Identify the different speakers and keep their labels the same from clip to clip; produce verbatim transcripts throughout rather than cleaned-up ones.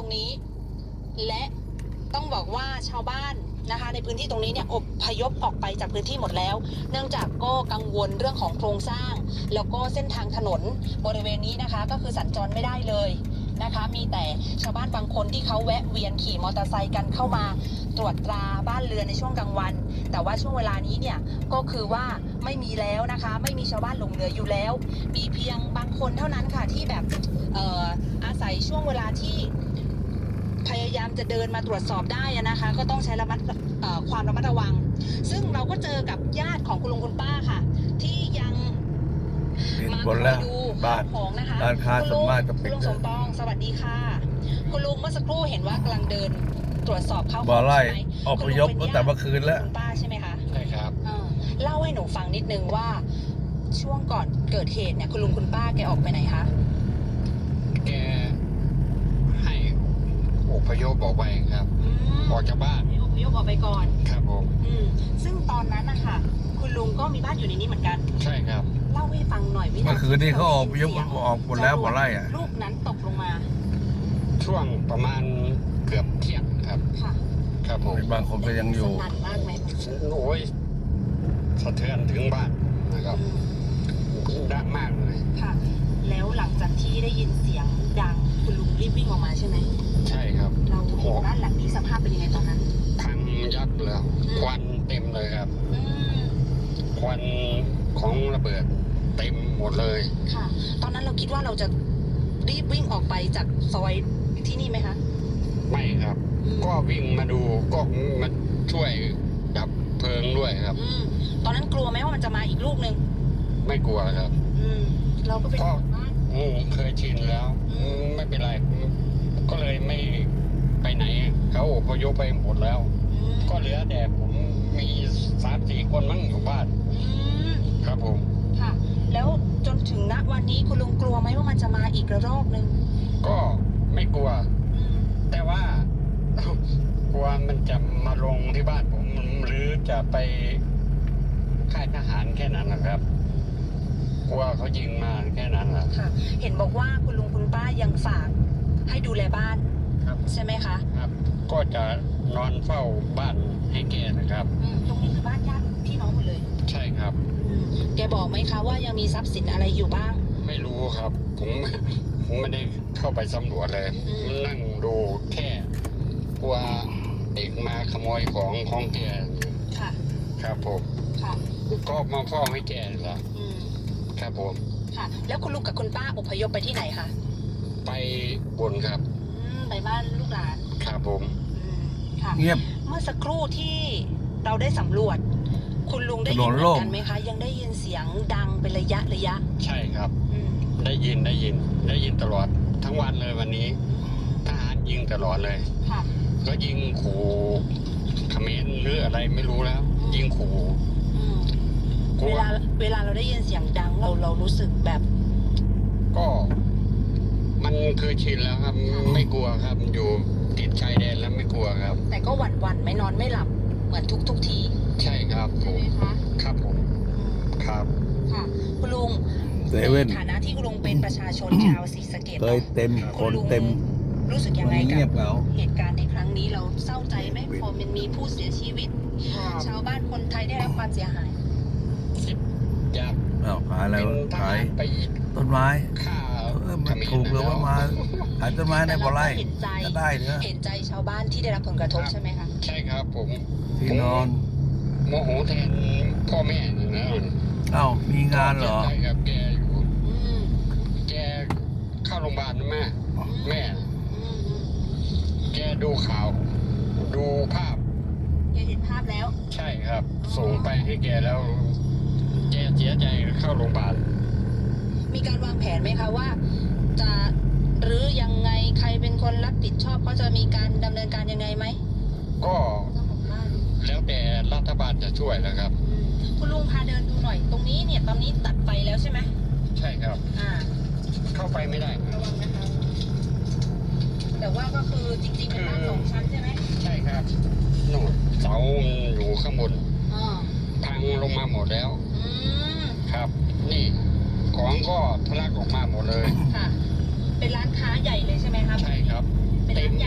Speaker 1: รงนี้และต้องบอกว่าชาวบ้านนะคะในพื้นที่ตรงนี้เนี่ยอพยพออกไปจากพื้นที่หมดแล้วเนื่องจากก็กังวลเรื่องของโครงสร้างแล้วก็เส้นทางถนนบริเวณนี้นะคะก็คือสัญจรไม่ได้เลยนะคะมีแต่ชาวบ้านบางคนที่เขาแวะเวียนขี่มอเตอร์ไซค์กันเข้ามาตรวจตราบ้านเรือนในช่วงกลางวันแต่ว่าช่วงเวลานี้เนี่ยก็คือว่าไม่มีแล้วนะคะไม่มีชาวบ้านหลงเหลืออยู่แล้วมีเพียงบางคนเท่านั้นค่ะที่แบบเอ่ออาศัยช่วงเวลาที่พยายามจะเดินมาตรวจสอบได้นะคะก็ต้องใช้ระมัดความระมัดระวังซึ่งเราก็เจอกับญาติของคุณลุงคุณป้าค่ะที่ยังมาคอยดูของนะคะ
Speaker 2: ร้านค้าสมมาตรจะปิด
Speaker 1: คุณลุงสมปองสวัสดีค่ะคุณลุงเมื่อสักครู่เห็นว่ากำลังเดินตรวจสอบเข้า
Speaker 2: บ่อไร่
Speaker 1: ใช่ไหม
Speaker 2: อพยพตั้งแต่เมื่อคืนแล้ว
Speaker 1: คุณป้าใช่ไหมคะ
Speaker 3: ใช่ครับ
Speaker 1: เล่าให้หนูฟังนิดนึงว่าช่วงก่อนเกิดเหตุเนี่ยคุณลุงคุณป้าแกออกไปไหนคะ
Speaker 3: แกให้อพยพออกไปครับออกจากบ้าน
Speaker 1: ให้อพยพออกไปก่อน
Speaker 3: ครับผม
Speaker 1: อืมซึ่งตอนนั้นนะคะคุณลุงก็มีบ้านอยู่ในนี้เหมือนกัน
Speaker 3: ใช่ครับ
Speaker 1: เล่าให้ฟังหน่อยวินาที
Speaker 2: เมื่อคืนนี้เขาออกยกออกหมดแล้วบ่อไร่อะ
Speaker 1: ลูกนั้นตกลงมา
Speaker 3: ช่วงประมาณเกือบเที่ยงครับ
Speaker 1: ค่ะ
Speaker 3: ครับผม
Speaker 2: บางคนก็ยังอยู่
Speaker 1: สั่นมากไหม
Speaker 3: โอ้ยสะเทือนถึงบ้านนะครับดังมากเลย
Speaker 1: ค่ะแล้วหลังจากที่ได้ยินเสียงดังคุณลุงรีบวิ่งออกมาใช่ไหม
Speaker 3: ใช่ครับ
Speaker 1: เราเห็นบ้านหลังนี้สภาพเป็นยังไงตอนนั้น
Speaker 3: พังยับแล้วควันเต็มเลยครับควันของระเบิดเต็มหมดเลย
Speaker 1: ค่ะตอนนั้นเราคิดว่าเราจะรีบวิ่งออกไปจากซอยที่นี่ไหมคะ
Speaker 3: ไม่ครับก็วิ่งมาดูก็มาช่วยดับเพลิงด้วยครับ
Speaker 1: ตอนนั้นกลัวไหมว่ามันจะมาอีกลูกหนึ่ง
Speaker 3: ไม่กลัวครับ
Speaker 1: เราก็เป็น
Speaker 3: ก็เคยชินแล้วไม่เป็นไรก็เลยไม่ไปไหนเขาอพยพไปหมดแล้วก็เหลือแต่ผมมีสามสี่คนมั้งอยู่บ้านครับผม
Speaker 1: ค่ะแล้วจนถึงณวันนี้คุณลุงกลัวไหมว่ามันจะมาอีกระลอกหนึ่ง
Speaker 3: ก็ไม่กลัวแต่ว่ากลัวมันจะมาลงที่บ้านผมหรือจะไปค่ายทหารแค่นั้นนะครับกลัวเขายิงมาแค่นั้นแหละ
Speaker 1: ค่ะเห็นบอกว่าคุณลุงคุณป้ายังฝากให้ดูแลบ้าน
Speaker 3: ครับ
Speaker 1: ใช่ไหมคะ
Speaker 3: ครับก็จะนอนเฝ้าบ้านให้แกนะครับ
Speaker 1: ตรงนี้คือบ้านญาติพี่น้องหมดเลย
Speaker 3: ใช่ครับ
Speaker 1: แกบอกไหมคะว่ายังมีทรัพย์สินอะไรอยู่บ้าง
Speaker 3: ไม่รู้ครับผมผมไม่ได้เข้าไปสำรวจเลยนั่งดูแค่กลัวเด็กมาขโมยของของแก
Speaker 1: ค่ะ
Speaker 3: ครับผม
Speaker 1: ค่ะ
Speaker 3: ก็มาเฝ้าให้แกแล้วครับผม
Speaker 1: ค่ะแล้วคุณลุงกับคุณป้าอพยพไปที่ไหนคะ
Speaker 3: ไปบนครับ
Speaker 1: ไปบ้านลูกหลาน
Speaker 3: ครับผม
Speaker 1: ค่ะเงียบเมื่อสักครู่ที่เราได้สำรวจคุณลุงได้ยินเหมือนกันไหมคะยังได้ยินเสียงดังเป็นระยะระยะ
Speaker 3: ใช่ครับได้ยินได้ยินได้ยินตลอดทั้งวันเลยวันนี้ทหารยิงตลอดเลย
Speaker 1: ค่ะ
Speaker 3: ก็ยิงขู่เขมรหรืออะไรไม่รู้แล้วยิงขู่
Speaker 1: เวลาเวลาเราได้ยินเสียงดังเราเรารู้สึกแบบ
Speaker 3: ก็มันคือชินแล้วครับไม่กลัวครับอยู่ติดชายแดนแล้วไม่กลัวครับ
Speaker 1: แต่ก็หวั่นหวั่นไม่นอนไม่หลับเหมือนทุกทุกที
Speaker 3: ใช่ครับ
Speaker 1: ใช่ไหมคะ
Speaker 3: ครับผมครับ
Speaker 1: ค่ะคุณลุงในฐานะที่คุณลุงเป็นประชาชนชาวศรีสะเกษ
Speaker 2: เคยเต็มคนเต็ม
Speaker 1: รู้สึกยังไงกับเหตุการณ์ในครั้งนี้เราเศร้าใจไหมพอมันมีผู้เสียชีวิตชาวบ้านคนไทยได้รับความเสียหาย
Speaker 3: อยาก
Speaker 2: เอาขายแล้วขายต้นไม้มันถูกหรือว่ามาขายต้นไม้ในบ่อไร่ก็ได้เนอะ
Speaker 1: เห็นใจชาวบ้านที่ได้รับผลกระทบใช่ไหมคะ
Speaker 3: ใช่ครับผม
Speaker 2: ที่นอน
Speaker 3: โมโหแทนพ่อแม่อยู่นะ
Speaker 2: เอ้ามีงานเหรอ
Speaker 3: ใช่ครับแกอยู่แกเข้าโรงพยาบาลนะแม่แม่แกดูข่าวดูภาพ
Speaker 1: แกเห็นภาพแล้ว
Speaker 3: ใช่ครับส่งไปให้แกแล้วแกเสียใจเข้าโรงพยาบาล
Speaker 1: มีการวางแผนไหมคะว่าจะหรือยังไงใครเป็นคนรับผิดชอบเขาจะมีการดำเนินการยังไงไหม
Speaker 3: ก็แล้วแต่รัฐบาลจะช่วยนะครับ
Speaker 1: คุณลุงพาเดินดูหน่อยตรงนี้เนี่ยตอนนี้ตัดไฟแล้วใช่ไหม
Speaker 3: ใช่ครับ
Speaker 1: อ่า
Speaker 3: เข้าไปไม่ได้
Speaker 1: ระวังนะคะแต่ว่าก็คือจริงๆเป็นบ้านสองชั้นใช่ไหม
Speaker 3: ใช่ครับโน่นเสาอยู่ข้างบนพังลงมาหมดแล้วครับนี่ของก็ทะลักออกมาหมดเลย
Speaker 1: ค่ะเป็นร้านค้าใหญ่เลยใช่ไหมครับ
Speaker 3: ใช่ครับเต็ม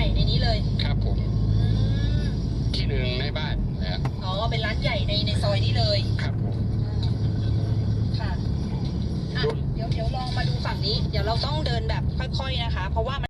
Speaker 1: านใหญ่ในในซอยนี้เลย
Speaker 3: ครับผม
Speaker 1: ค่ะอ่ะเดี๋ยวเดี๋ยวลองมาดูฝั่งนี้ เดี๋ยวเราต้องเดินแบบค่อยๆนะคะ เพราะว่า